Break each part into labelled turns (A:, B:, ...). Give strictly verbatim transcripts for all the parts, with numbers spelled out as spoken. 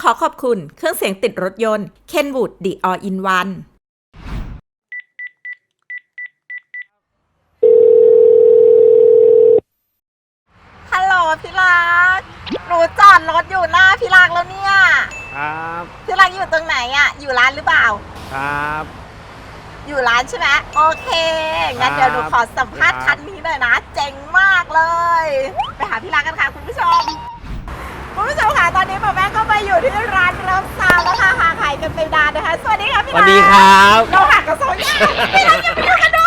A: ขอขอบคุณเครื่องเสียงติดรถยนต์ Kenwood The All in One ฮัลโหลพี่รักหนูจอดรถอยู่หน้าพี่รักแล้วเนี่ย
B: ครับ
A: พี่รักอยู่ตรงไหนอะอยู่ร้านหรือเปล่า
B: ครับ
A: อยู่ร้านใช่ไหมโอเคงั้นเดี๋ยวหนูขอสัมภาษณ์คันนี้หน่อยนะเจ๋งมากเลยไปหาพี่รักกันค่ะคุณผู้ชมคุณผู้ชมค่ะตอนนี้หมอแม่ก็มาอยู่ที่ร้านเริ่มซาวแล้วค่ะห่างหายกันไปนานนะคะสวัสดีค่ะพี่รัก
B: สวัสดีครับ
A: เราห่างกันโซนยากพี่รักอย่าไปดูกันดู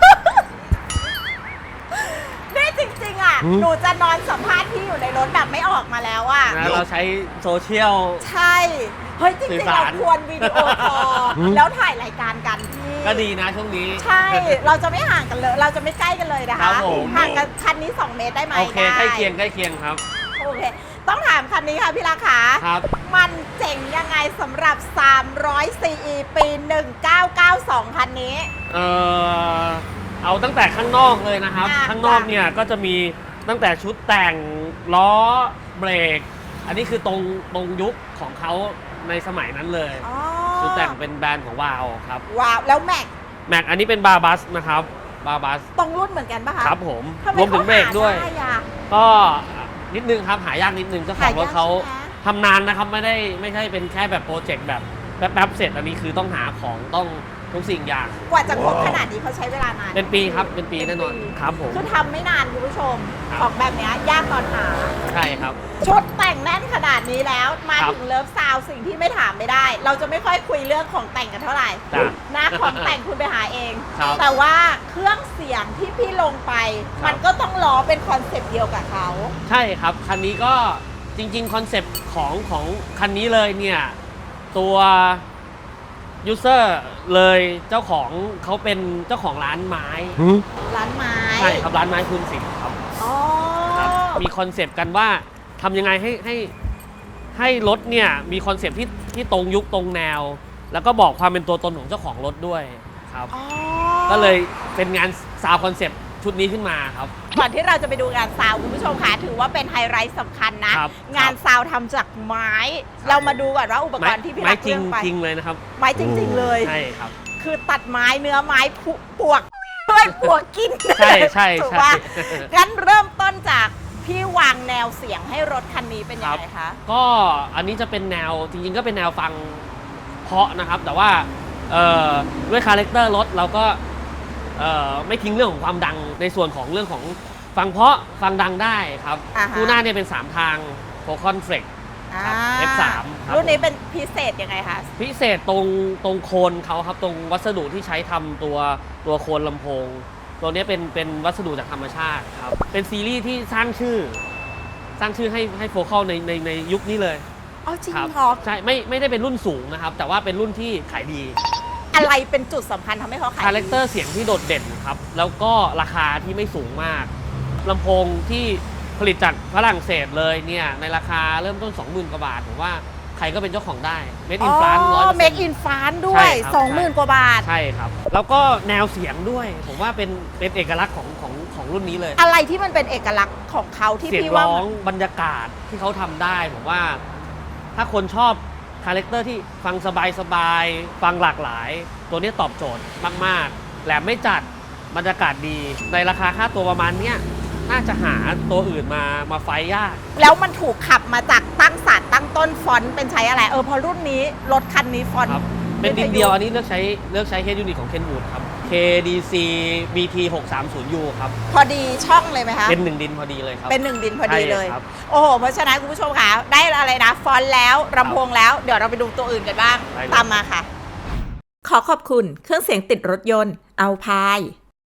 A: นี่จริงๆอ่ะหนูจะนอนสัมภาษณ์พี่อยู่ในรถแบบไม่ออกมาแล้วอ่ะ
B: เราใช้โซเชียล
A: ใช่เฮ้ยจริงๆเราควรวิดีโอคอลแล้วถ่ายรายการกันพี่
B: ก็ดีนะช่วงนี้
A: ใช่เราจะไม่ห่างกันเลยเราจะไม่ใกล้กันเลยนะคะห่างกันคันนี้สองเมตรได้ไหม
B: โอเคใกล้เคียงใกล้เคียงครับ
A: โอเคต้องถามคันนี้ค่ะพี่ราคา
B: ครับ
A: มันเจ๋งยังไงสำหรับสามร้อย ซี อี ปีหนึ่งเก้าเก้าสองคันนี้
B: เออเอาตั้งแต่ข้างนอกเลยนะครับข้างนอกเนี่ยก็จะมีตั้งแต่ชุดแต่งล้อเบรกอันนี้คือตรงตรงยุคของเขาในสมัยนั้นเลยชุดแต่งเป็นแบรนด์ของวาวครับ
A: วาวแล้วแม็ก
B: แม็กอันนี้เป็นบาบัสนะครับบาบัส
A: ตรงรุ่นเหมือนกันป่ะคะ
B: ครับผมรวมถึงเบรกด้วยก็นิดนึงครับหายากนิดนึงเจ้าของรถเขาทำนานนะครับไม่ได้ไม่ใช่เป็นแค่แบบโปรเจกต์แบบแป๊บๆเสร็จอันนี้คือต้องหาของต้องทุกสิ่งอย่าง
A: กว่าจะครบขนาดนี้เขาใช้เวลานาน
B: เป็นปีครับเป็นปีแน่นอนครับผม
A: คือทำไม่นานคุณผู้ชมของแบบนี้ยากตอนหา
B: ใช่ครับ
A: ชุดแต่งแน่นขนาดนี้แล้วมาถึงเลิฟซาวสิ่งที่ไม่ถามไม่ได้ เราจะไม่ค่อยคุยเรื่องของแต่งกันเท่าไหร่นะของแต่งคุณไปหาเองแต่ว่าเครื่องเสียงที่พี่ลงไปมันก็ต้องล้อเป็นคอนเซปต์เดียวกับเขา
B: ใช่ครับคันนี้ก็จริงๆคอนเซปต์ของของคันนี้เลยเนี่ยตัวยูเซอร์เลยเจ้าของเขาเป็นเจ้าของร้านไม้
A: ร้านไม้
B: ใช่ครับร้านไม้คุณสิทธิ์ครับ
A: อ๋อ
B: มีคอนเซปต์กันว่าทำยังไงให้ให้ให้รถเนี่ยมีคอนเซปต์ที่ที่ตรงยุคตรงแนวแล้วก็บอกความเป็นตัวตนของเจ้าของรถด้วยครับก็เลยเป็นงานซาวคอนเซปต์ชุดนี้ขึ้นมาครับ
A: ก่อนที่เราจะไปดูงานซาวคุณผู้ชมคะถือว่าเป็นไฮไลท์สำคัญนะงานซาวทำจากไม้เรามาดูก่อนว่าอุปกรณ์ที่พี่รักเลือกไป
B: ไม้จริงเลยนะครับ
A: ไม้จริงๆเลย
B: ใช่ครับ
A: คือตัดไม้เนื้อไม้ปวกด้วยปวกกิน
B: ใช่ใช่
A: ถูกป่ะงั้นเริ่มต้นจากพี่วางแนวเสียงให้รถคันนี้เป็นยังไงคะ
B: ก็อันนี้จะเป็นแนวจริงๆก็เป็นแนวฟังเพาะนะครับแต่ว่าด้วยคาแรคเตอร์รถเราก็ไม่ทิ้งเรื่องของความดังในส่วนของเรื่องของฟังเพาะฟังดังได้ครับคู่หน้าเนี่ยเป็นสามทางโฟคอนเฟล็กครับ เอฟ สาม
A: รุ่นนี้เป็นพิเศษยังไงคะ
B: พิเศษตรงตรงโคนเขาครับตรงวัสดุที่ใช้ทำตัวตัวโคนลำโพงตัวนี้เป็นเป็นวัสดุจากธรรมชาติครับเป็นซีรีส์ที่สร้างชื่อสร้างชื่อให้ให้โฟกัสในในในยุคนี้เลย
A: อ๋อจริง
B: ค
A: รับ
B: ใช่ไม่ไม่ได้เป็นรุ่นสูงนะครับแต่ว่าเป็นรุ่นที่ขายดี
A: อะไรเป็นจุดสำคัญทำให้เขาขาย
B: คาแรคเตอร์เสียงที่โดดเด่นครับแล้วก็ราคาที่ไม่สูงมากลำโพงที่ผลิตจากฝรั่งเศสเลยเนี่ยในราคาเริ่มต้น สองหมื่น กว่าบาทผมว่าใครก็เป็นเจ้าของได้ Made in France ร้อยเปอร์เซ็นต์
A: Made in France ด้วย สองหมื่น กว่าบาท
B: ใช่ครับแล้วก็แนวเสียงด้วยผมว่าเป็นเป็นเอกลักษณ์ของของของรุ่นนี้เลย
A: อะไรที่มันเป็นเอกลักษณ์ของเขาที่พี่ว่า
B: เสียงร้องบรรยากาศที่เขาทำได้ผมว่าถ้าคนชอบคาแรคเตอร์ที่ฟังสบายๆฟังหลากหลายตัวนี้ตอบโจทย์มากๆแหลมไม่จัดบรรยากาศดีในราคาค่าตัวประมาณเนี้ยน่าจะหาตัวอื่นมามาไฟยาก
A: แล้วมันถูกขับมาจากตั้งศาสตร์ตั้งต้นฟอนต์เป็นใช้อะไรเออพอรุ่นนี้รถคันนี้ฟอนต์
B: เป็นดินเดียวอันนี้เลือกใช้เลือกใช้เฮดยูนิตของ Kenwood ครับ เค ดี ซี บี ที หกสามศูนย์ ยู ครับ
A: พอดีช่องเลยไหมคะ
B: เป็นหนึ่งดินพอดีเลยครับ
A: เป็นหนึ่งดินพอดีเลยโอ้โหเพราะฉะนั้นคุณผู้ชมค่ะได้อะไรนะฟอนต์แล้วลำโพงแล้วเดี๋ยวเราไปดูตัวอื่นกันบ้างตามมาค่ะขอขอบคุณเครื่องเสียงติดรถยนต์เอาพาย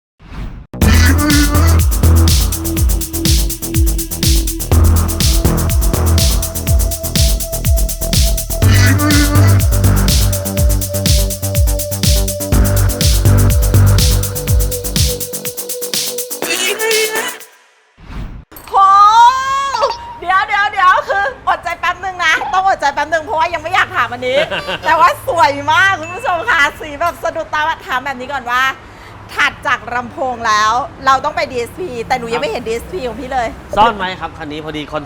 A: เพราะว่ายังไม่อยากถามอันนี้ แต่ว่าสวยมากคุณผู้ชมค่ะสีแบบสะดุดตาถามแบบนี้ก่อนว่าถัดจากลำโพงแล้วเราต้องไป ดี เอส พี แต่หนูยังไม่เห็น ดี เอส พี ของพี่เลย
B: ซ่อนไหมครับคันนี้พอดีคอนเซปต์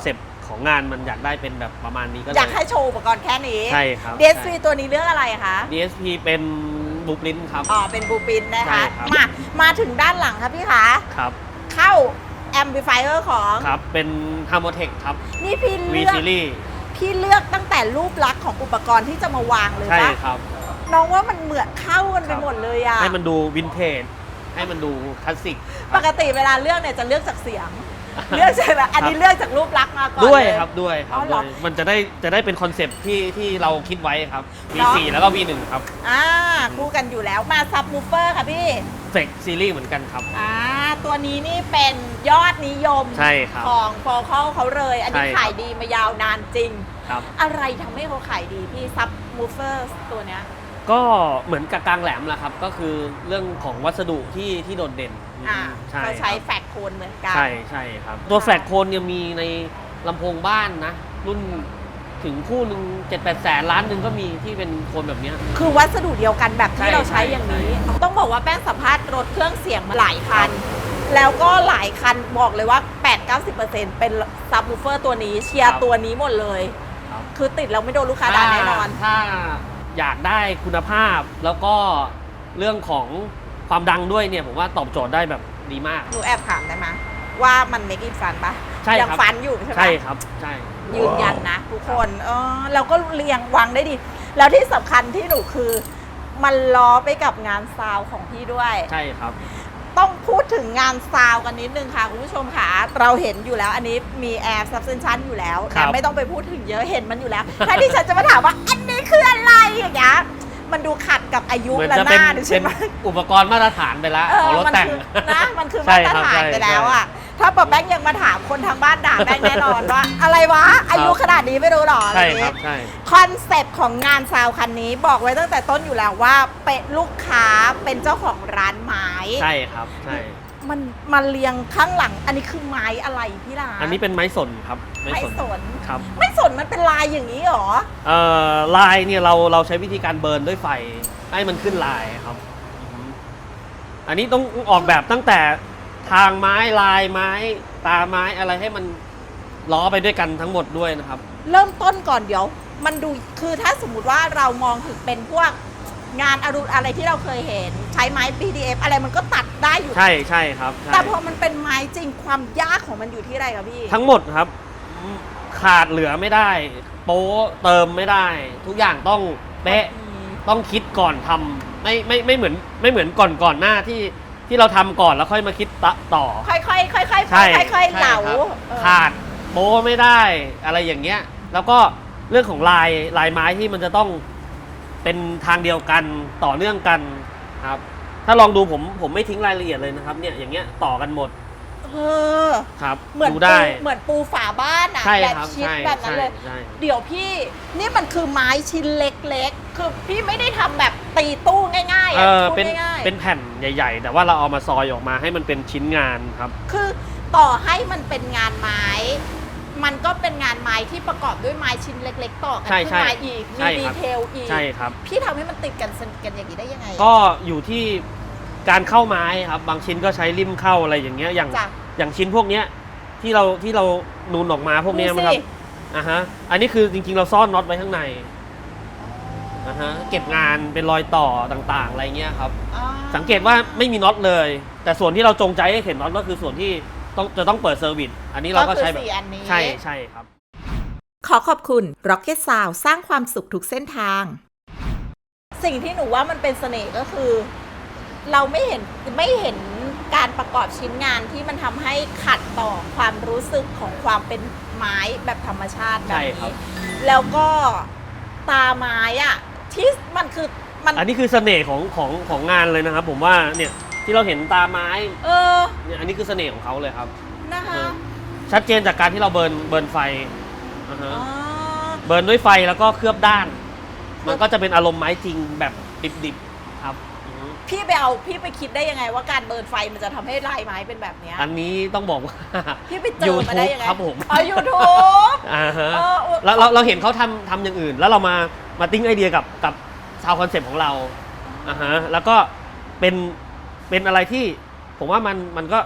B: ของงานมันอยากได้เป็นแบบประมาณนี้ก็เลย
A: อยากให้โชว์อุปกรณ์แค่นี้
B: ใช่ครับ
A: ดี เอส พี ตัวนี้เรื่องอะไรคะ
B: ดี เอส พี เป็นบูปรินครับ
A: อ๋อเป็นบูปินนะ
B: ใช่
A: คะ
B: ครับ
A: มามาถึงด้านหลังครับพี่คะ
B: ครับ
A: เข้าแอมพลิฟายเออร์ของ
B: ครับเป็น Harmotech ครับ
A: นี่พี่
B: V
A: เลือก
B: Series
A: พี่เลือกตั้งแต่รูปลักษณ์ของอุปกรณ์ที่จะมาวางเลย
B: ใช่
A: ปะ
B: ครับ
A: น้องว่ามันเหมือนเข้ากันไป
B: ครับ
A: หมดเลยอะ
B: ให้มันดูวินเทจให้มันดูคลาสสิก
A: ปกติเวลาเลือกเนี่ยจะเลือกจากเสียง เลือกใช่ไหมอันนี้เลือกจากรูปลักษณ์มาก่อน
B: ด้วย
A: เลย
B: ครับด้วยครั
A: อ๋
B: บ
A: อเหร
B: ด้
A: อ
B: วยมันจะได้จะได้เป็นคอนเซปต์ที่ที่เราคิดไว้ครับ วี
A: เนาะ
B: โฟร์ แล้วก็ วี วัน ครับ
A: อ่าคู่กันอยู่แล้วมาซับมูฟเฟอร์ค่ะพี่
B: เฟกซีรีส์เหมือนกันครับ
A: อ่าตัวนี้นี่เป็นยอดนิยม
B: ใช่ครับ
A: ของฟอร์เคิลเขาเลย อันนี้
B: ใช่ครับ
A: ขายดีมายาวนานจริง
B: ครับ
A: อะไรทำให้เขาขายดีพี่ซับมูฟเฟอร์ตัวเนี้ย
B: ก็เหมือนกับกลางแหลมแหละครับ ก็คือเรื่องของวัสดุที่ที่โดดเด่น
A: อ่า
B: ใช่
A: เขาใช้
B: ครับ
A: แฟกโคนเหมือนกัน
B: ใช่ใช่ครับ ตัวแฟลกโคนเนี่ยมีในลำโพงบ้านนะ รุ่นถึงคู่หนึ่งเจ็ดแปดแสนล้านหนึ่งก็มีที่เป็นโคนแบบเนี้ย
A: คือวัสดุเดียวกันแบบ
B: ใช่
A: ที่เราใช้
B: ใช่
A: อย่างนี้
B: ใช่
A: ต้องบอกว่าแป้งสัมภาษณ์รถเครื่องเสียงมาหลายคัน แล้วก็หลายคันบอกเลยว่า แปดถึงเก้าสิบเปอร์เซ็นต์ เป็นซับวูเฟอร์ตัวนี้เชียร์ตัวนี้หมดเลย
B: ครับ
A: คือติดแล้วไม่โดนลูกค้าด่าแน่นอน
B: ถ้าอยากได้คุณภาพแล้วก็เรื่องของความดังด้วยเนี่ยผมว่าตอบโจทย์ได้แบบดีมาก
A: หนูแอบถามได้ไหมว่ามันเมคอินฟันปะ
B: ใช่ครับ
A: ยังฟันอยู่ใช่ไหม
B: ใช่ครับใช่
A: ยืนยันนะทุกคนเออเราก็เรียงวางได้ดี แล้วที่สำคัญที่หนูคือ มันล้อไปกับงานซาวของพี่ด้วย
B: ใช่ครับ
A: ต้องพูดถึงงานซาวกันนิดนึงค่ะคุณผู้ชมค่ะ เราเห็นอยู่แล้วอันนี้มีแอร์ซับเซนชันอยู่แล้ว
B: ครับ
A: นะไม่ต้องไปพูดถึงเยอะเห็นมันอยู่แล้ว ถ้าที่ฉันจะมาถามว่าอันนี้คืออะไรอย่างเงี้ยมันดูขัดกับอายุ
B: เหมือน
A: และ
B: จะ
A: ห
B: เป็น
A: น้าดู
B: เป็
A: ใช่
B: น
A: ไหม
B: อุปกรณ์มาตรฐานไปแล้ว
A: เอ
B: ของ
A: อ
B: รถ
A: มัน
B: แต่ง
A: คือนะมันคือ
B: ใช่
A: มาตร
B: ครับ
A: ฐาน
B: ใช่
A: ไปแล้ว
B: ใช่
A: อ่ะถ้าปอบแบงค์ยังมาถามคนทางบ้านด่าแบงค์แน่นอนว่า อะไรวะ อายุขนาดนี้ไม่รู้หรอ
B: ใช่
A: อะไอย่าง
B: ครั
A: งี้
B: บใช่
A: คอนเซปต์ของงานซาวคันนี้บอกไว้ตั้งแต่ต้นอยู่แล้วว่าเป็นลูกค้าเป็นเจ้าของร้านไม้
B: ใช่ครับใช่
A: มันมาเรียงข้างหลัง อันนี้คือไม้อะไรพี่ลา
B: อันนี้เป็นไม้สนครับ
A: ไม้สน
B: ครับ
A: ไม้สนมันเป็นลายอย่างนี้เหรอ
B: เอ่อลายเนี่ยเราเราใช้วิธีการเบิร์นด้วยไฟให้มันขึ้นลายครับอือฮึอันนี้ต้องออกแบบตั้งแต่ทางไม้ลายไม้ตาไม้อะไรให้มันล้อไปด้วยกันทั้งหมดด้วยนะครับ
A: เริ่มต้นก่อนเดี๋ยว มันดูคือถ้าสมมุติว่าเรามองถึงเป็นพวกงานอรุณอะไรที่เราเคยเห็น ใช้ไม้ พี ดี เอฟ อะไรมันก็ตัดได้อยู่
B: ใช่ใช่ครับใช่
A: แต่พอมันเป็นไม้จริงความยากของมันอยู่ที่อะไรครับพี่
B: ทั้งหมดครับขาดเหลือไม่ได้ โป๊เติมไม่ได้ ทุกอย่างต้องเป๊ะ ต้องคิดก่อนทำไม่ไม่ไม่เหมือนไม่เหมือนก่อนก่อนหน้าที่ที่เราทำก่อนแล้วค่อยมาคิดตะต่อ
A: ค่อยๆค่อยๆค่อยๆ
B: ใช่
A: ค่อยๆเหลา
B: ใช่ครับ
A: เออ
B: ขาดโป๊ไม่ได้อะไรอย่างเงี้ย แล้วก็เรื่องของลายลายไม้ที่มันจะต้องเป็นทางเดียวกันต่อเนื่องกันครับ ถ้าลองดูผมผมไม่ทิ้งรายละเอียดเลยนะครับเนี่ยอย่างเงี้ยต่อกันหมด
A: เออ
B: ครับ
A: เหมือน
B: ดู
A: ปู
B: ได้
A: เหมือนปูฝาบ้านอะ
B: ใช่
A: แบบ
B: ครับ
A: ชิด
B: ใช่
A: แบบนั้นเลย
B: ใช่
A: เดี๋ยวพี่นี่มันคือไม้ชิ้นเล็กๆ คือพี่ไม่ได้ทำแบบตีตู้ง่ายๆ
B: เอ
A: อะ
B: อ
A: พูด
B: เป็น
A: ง่ายๆ
B: เป็นแผ่นใหญ่ ๆ แต่ว่าเราเอามาซอยออกมาให้มันเป็นชิ้นงานครับ
A: คือต่อให้มันเป็นงานไม้ มันก็เป็นงานไม้ที่ประกอบด้วยไม้ชิ้นเล็ก ๆ ต่อกัน
B: ใช่
A: ขึ้น
B: ใช่
A: มาอีก
B: ใช่
A: มีดี
B: ครับ
A: เทลอีก
B: ใช่ครับ
A: พี่ทำให้มันติดกันสนิทกันอย่างนี้ได้ยังไง
B: ก็อยู่ที่การเข้าไม้ครับ บางชิ้นก็ใช้ริมเข้าอะไรอย่างเงี้ยอย่าง
A: จ้ะ
B: อย่างชิ้นพวกเนี้ยที่เราที่เรานูนออกมาพวกเนี้ย
A: ดูสิ
B: นะครับอ่าฮะอันนี้คือจริงๆเราซ่อนน็อตไว้ข้างในอ่าฮะเก็บงานเป็นรอยต่อต่างๆอะไรเงี้ยครับ
A: อ่า
B: สังเกตว่าไม่มีน็อตเลย แต่ส่วนที่เราจงใจให้เห็นน็อตก็คือส่วนที่ต้องจะต้องเปิดเซอร์วิสอันนี้เราก็ใช้แบบ
A: คือสี่อันนี้
B: ใช่ใช่ครับ
A: ขอขอบคุณ Rocket Sound สร้างความสุขทุกเส้นทาง สิ่งที่หนูว่ามันเป็นเสน่ห์ก็คือ เราไม่เห็นไม่เห็นการประกอบชิ้นงานที่มันทำให้ขัดต่อความรู้สึกของความเป็นไม้แบบธรรมชาติแบบ
B: ใช่ครับ
A: นี้ แล้วก็ตาไม้อะที่มันคือมัน
B: อันนี้คือเสน่ห์ของของของงานเลยนะครับ ผมว่าเนี่ยที่เราเห็นตาไม้
A: เออ
B: เนี่ยอันนี้คือเสน่ห์ของเขาเลยครับ
A: นะคะ
B: ชัดเจนจากการที่เราเบิร์นเบิร์นไฟอ่าฮะ
A: อ๋อ
B: เบิร์นด้วยไฟแล้วก็เคลือบด้าน มันก็จะเป็นอารมณ์ไม้จริงแบบดิบๆครับอือฮึ
A: พี่ไปเอาพี่ไปคิดได้ยังไงว่าการเบิร์นไฟมันจะทำให้ลายไม้เป็นแบบเนี้ย
B: อันนี้ต้องบอกว่า
A: พี่ไปเจอมาได้ยังไง
B: YouTube ครับผม
A: อ๋อยูทูบ
B: อ่าฮะ
A: เออ
B: แล้วเราเราเห็นเขาทำทำอย่างอื่น แล้วเรามามาติ้งไอเดียกับกับซาวคอนเซปต์ของเราอ่าฮะแล้วก็เป็นเป็นอะไรที่ผมว่ามันมันก็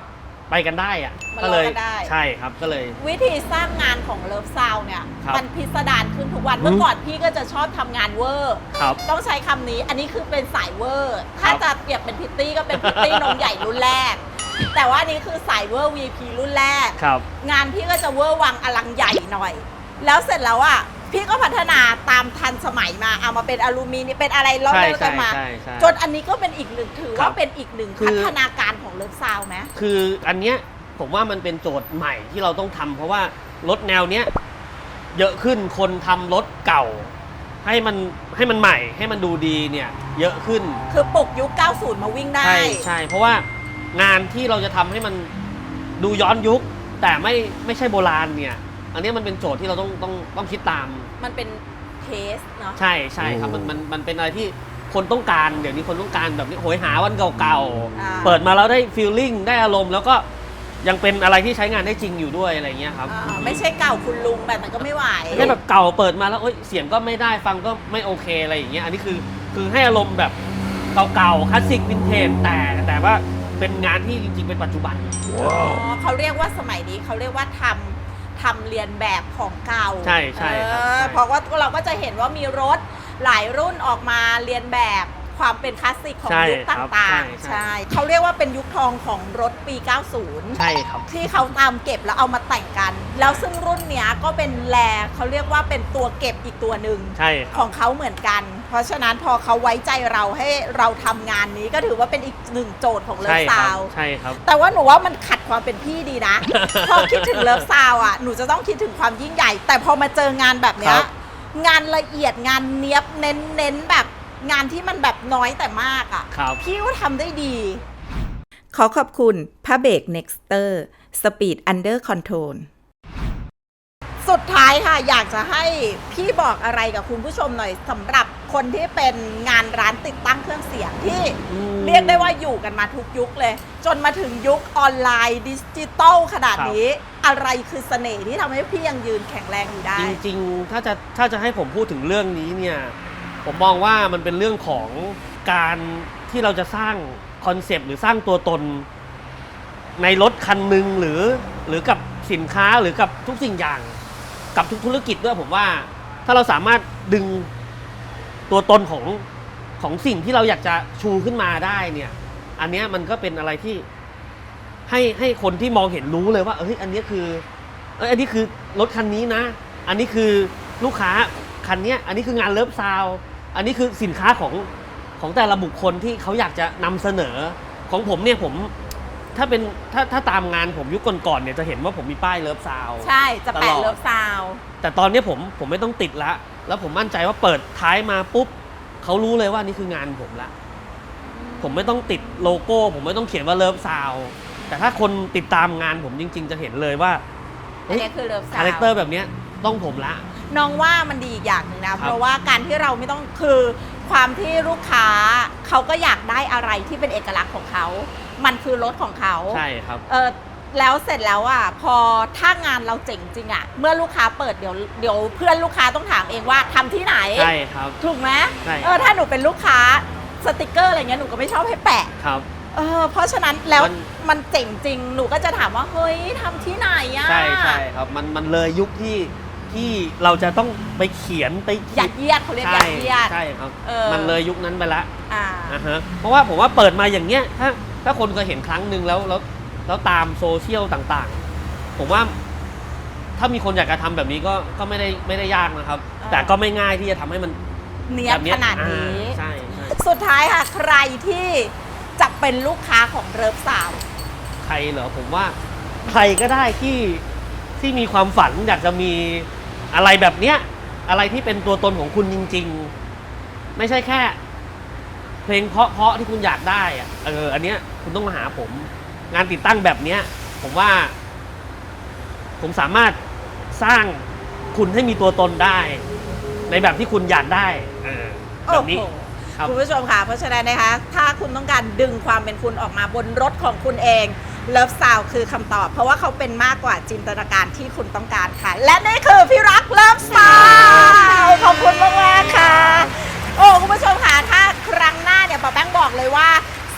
B: ไปกันได้อะ
A: มัน
B: ก็เลย
A: รอกันได้
B: ใช่ครับก็เลย
A: วิธีสร้างงานของเลิฟซาวเนี่ย
B: ครับ
A: มันพิสดารขึ้นทุกวัน
B: อืม
A: เมื่อก่อนพี่ก็จะชอบทำงานเวอร์
B: ครับ
A: ต้องใช้คำนี้ อันนี้คือเป็นสายเวอร์ ถ้า
B: ครับ
A: จะเปรียบเป็นพิตตี้ก็เป็นพิตตี้ นมใหญ่รุ่นแรก แต่ว่าอันนี้คือสายเวอร์ วี พี รุ่นแรก
B: ครับ
A: งานพี่ก็จะเวอร์วังอลังใหญ่หน่อย แล้วเสร็จแล้วอ่ะพี่ก็พัฒนาตามทันสมัยมาเอามาเป็นอลูมิเนียมเป็นอะไรล้อ
B: ใช่
A: เล่นกันมา
B: ใช่ใช่
A: จนอันนี้ก็เป็นอีกหนึ่งถือ
B: ครั
A: ว่า
B: บ
A: เป็นอีกหนึ่ง
B: คือ
A: พัฒนาการของเลิฟซาวไหม
B: คืออันเนี้ยผมว่ามันเป็นโจทย์ใหม่ที่เราต้องทำเพราะว่ารถแนวเนี้ยเยอะขึ้นคนทำรถเก่า ให้มันให้มันใหม่ให้มันดูดีเนี่ยเยอะขึ้น
A: คือปลุกยุค เก้าสิบ มาวิ่งได้
B: ใช่ใช่เพราะว่างานที่เราจะทำให้มันดูย้อนยุค แต่ไม่ไม่ใช่โบราณเนี่ย อันเนี้ยมันเป็นโจทย์ที่เราต้องต้องต้องคิดตาม
A: มันเป็นเทสเนาะ
B: ใช่ใช่ครับมันมันมันเป็นอะไรที่คนต้องการเดี๋ยวนี้คนต้องการแบบนี้โหยหาวันเก่า
A: อ่า
B: ๆเปิดมาแล้วได้ฟีลลิ่งได้อารมณ์แล้วก็ยังเป็นอะไรที่ใช้งานได้จริงอยู่ด้วยอะไรเงี้ยครับ
A: อ่าไม่ใช่เก่าคุณลุงแบบนั้นก็ไม่ไหว
B: ไม่ใช่แบบเก่าเปิดมาแล้วเอ้ยเสียงก็ไม่ได้ฟังก็ไม่โอเคอะไรอย่างเงี้ยอันนี้คือคือให้อารมณ์แบบเก่าๆคลาสสิกวินเทจแต่แต่ว่าเป็นงานที่จริงๆเป็นปัจจุบัน
A: อ๋อเขาเรียกว่าสมัยนี้เขาเรียกว่าทำทำเรียนแบบของเก่า
B: ใช่ใช่ครับ
A: เออ
B: ใช่
A: เพราะว่าเราก็จะเห็นว่ามีรถหลายรุ่นออกมาเรียนแบบความเป็นคลาสสิกของ
B: ใช่
A: ยุค
B: ครับ
A: ต่าง
B: ใช่
A: ๆ
B: ใช่
A: ใช่เขาเรียกว่าเป็นยุคทองของรถปี เก้าสิบ
B: ใช่ครับ
A: ที่เขาตามเก็บแล้วเอามาแต่งกัน แล้วซึ่งรุ่นเนี้ยก็เป็นแลเขาเรียกว่าเป็นตัวเก็บอีกตัวหนึ่ง
B: ใช่ค
A: ข
B: รั
A: อบ งเขาเหมือนกัน เพราะฉะนั้นพอเขาไว้ใจเราให้เราทำงานนี้ก็ถือว่าเป็นอีกหนึ่งโจทย์ของเลิฟ
B: ใช่ค
A: ซา
B: รับ
A: ว
B: ใช่ครับ
A: แต่ว่าหนูว่ามันขัดความเป็นพี่ดี นะ พอคิดถึงเลิฟซาวอ่ะหนูจะต้องคิดถึงความยิ่งใหญ่ แต่พอมาเจองานแบบเนี้
B: ค
A: ย
B: รับ
A: งานละเอียดงานเนี้ยบเน้นเน้นแบบงานที่มันแบบน้อยแต่มากอ่ะ
B: ครับ
A: พี่ก็ทำได้ดี ขอขอบคุณผ้าเบรก Nexter Speed Under Control สุดท้ายค่ะ อยากจะให้พี่บอกอะไรกับคุณผู้ชมหน่อยสำหรับคนที่เป็นงานร้านติดตั้งเครื่องเสียงที่
B: อืม
A: เรียกได้ว่าอยู่กันมาทุกยุคเลย จนมาถึงยุคออนไลน์ดิจิตอลขนาดนี้ อะไรคือเสน่ห์ที่ทำให้พี่ยังยืนแข็งแรงอยู่ได้
B: จริงๆ ถ้าจะถ้าจะให้ผมพูดถึงเรื่องนี้เนี่ย ผมมองว่ามันเป็นเรื่องของการที่เราจะสร้างคอนเซปต์หรือสร้างตัวตน ในรถคันหนึ่งหรือหรือกับสินค้าหรือกับทุกสิ่งอย่าง กับทุกธุรกิจด้วยผมว่า ถ้าเราสามารถดึงตัวตนของของสิ่งที่เราอยากจะชูขึ้นมาได้เนี่ย อันเนี้ยมันก็เป็นอะไรที่ให้ให้คนที่มองเห็นรู้เลยว่าเอ้ยอันเนี้ยคือเอ้ยอันนี้คือรถคันนี้นะ อันนี้คือลูกค้าคันเนี้ยอันนี้คืองานเลิฟซาวด์อันนี้คือสินค้าของของแต่ละบุคคลที่เขาอยากจะนำเสนอของผมเนี่ยผมถ้าเป็นถ้าถ้าตามงานผมยุคก่อนๆเนี่ยจะเห็นว่าผมมีป้ายเลิฟซาวด์
A: ใช่จะ
B: ต
A: แปะ
B: ลอด
A: เลิฟซาว
B: แต่ตอนนี้ผมผมไม่ต้องติดละแล้วผมมั่นใจว่าเปิดท้ายมาปุ๊บเขารู้เลยว่านี่คืองานผมละผมไม่ต้องติดโลโก้ ผมไม่ต้องเขียนว่าเลิฟซาวด์แต่ถ้าคนติดตามงานผมจริง ๆ จะเห็นเลยว่า
A: อันนี้คือเลิฟซาว
B: คาแรคเตอร์แบบเนี้ยต้องผมละ
A: น้องว่ามันดีอีกอย่างหนึ่งนะ
B: ครับ
A: เพราะว่าการที่เราไม่ต้องคือความที่ลูกค้าเขาก็อยากได้อะไรที่เป็นเอกลักษณ์ของเขา มันคือรถของเขา
B: ใช่ครับ
A: เออแล้วเสร็จแล้วอ่ะพอถ้างานเราเจ๋งจริงอ่ะเมื่อลูกค้าเปิดเดี๋ยวเดี๋ยวเพื่อนลูกค้าต้องถามเองว่าทำที่ไหน
B: ใช่ครับ
A: ถูกไหม
B: ใช่
A: เออถ้าหนูเป็นลูกค้าสติกเกอร์อะไรเงี้ยหนูก็ไม่ชอบให้แปะ
B: ครับ
A: เออเพราะฉะนั้นแล้ว
B: มัน
A: มันเจ๋งจริงหนูก็จะถามว่าเฮ้ยทำที่ไหนอ่ะ
B: ใช่ใช่ครับมันมันเลยยุคที่ที่เราจะต้องไปเขียนไป
A: ยัดเยียดเขาเรียก
B: ใช่
A: ยัดเยียด
B: ใช่ครับ
A: เออ
B: มันเลยยุคนั้นไปละ
A: อ่า
B: อ่าฮะเพราะว่าผมว่าเปิดมาอย่างเงี้ยถ้าถ้าคนเคยเห็นครั้งหนึ่งแล้วแล้วแล้วตามโซเชียลต่างๆ ผมว่าถ้ามีคนอยากจะทำแบบนี้ก็ก็ไม่ได้ไม่ได้ยากนะครับ
A: อ่า
B: แต่ก็ไม่ง่ายที่จะทำให้มัน
A: เนียบ
B: แบบเนี้ย
A: ขนาดนี้
B: อ่าใช่ใช่
A: สุดท้ายค่ะ ใครที่จะเป็นลูกค้าของเลิฟสาว
B: ใครเหรอผมว่าใครก็ได้ที่ที่มีความฝันอยากจะมีอะไรแบบเนี้ยอะไรที่เป็นตัวตนของคุณจริง ๆ ไม่ใช่แค่ เพลงเพราะๆที่คุณอยากได้อะเอออันเนี้ยคุณต้องมาหาผม งานติดตั้งแบบเนี้ย ผมว่า ผมสามารถสร้างคุณให้มีตัวตนได้ ในแบบที่คุณอยากได้เออแบบนี้
A: โอ้โห
B: ครับ
A: คุณผู้ชมค่ะ เพราะฉะนั้นนะคะ ถ้าคุณต้องการดึงความเป็นคุณออกมาบนรถของคุณเองเลิฟซาวคือคำตอบ เพราะว่าเขาเป็นมากกว่าจินตนาการที่คุณต้องการค่ะ และนี่คือพี่รักเลิฟซาวขอบคุณมากๆค่ะ โอ้คุณผู้ชมค่ะถ้าครั้งหน้าเนี่ยป้าแป้งบอกเลยว่าส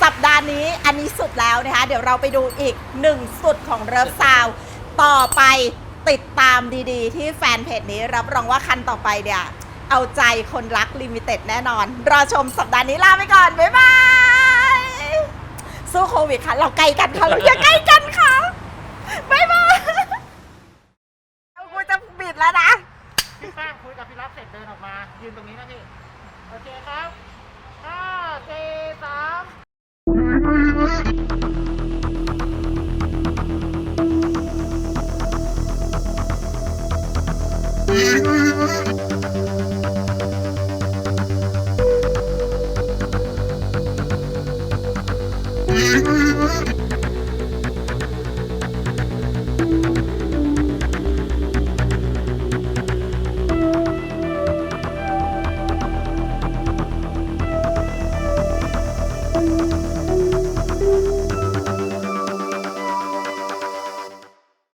A: สัปดาห์นี้อันนี้สุดแล้วนะคะเดี๋ยวเราไปดูอีกหนึ่งสุดของเริฟซาวต่อไปติดตามดีๆ ที่แฟนเพจนี้รับรองว่าคันต่อไปเนี่ยเอาใจคนรักลิมิเต็ดแน่นอนรอชมสัปดาห์นี้ลาไปก่อนบ๊ายบายสู้โควิดค่ะเราใกล้กันค่ะเราอย่าใกล้กันค่ะบ๊ายบายกูจะบิดแล้วนะ
C: พี่แป้งคุยกับพี่รับเสร็จเดินออกมายืนตรงนี้นะพี่โอเคครับห้าสี่สาม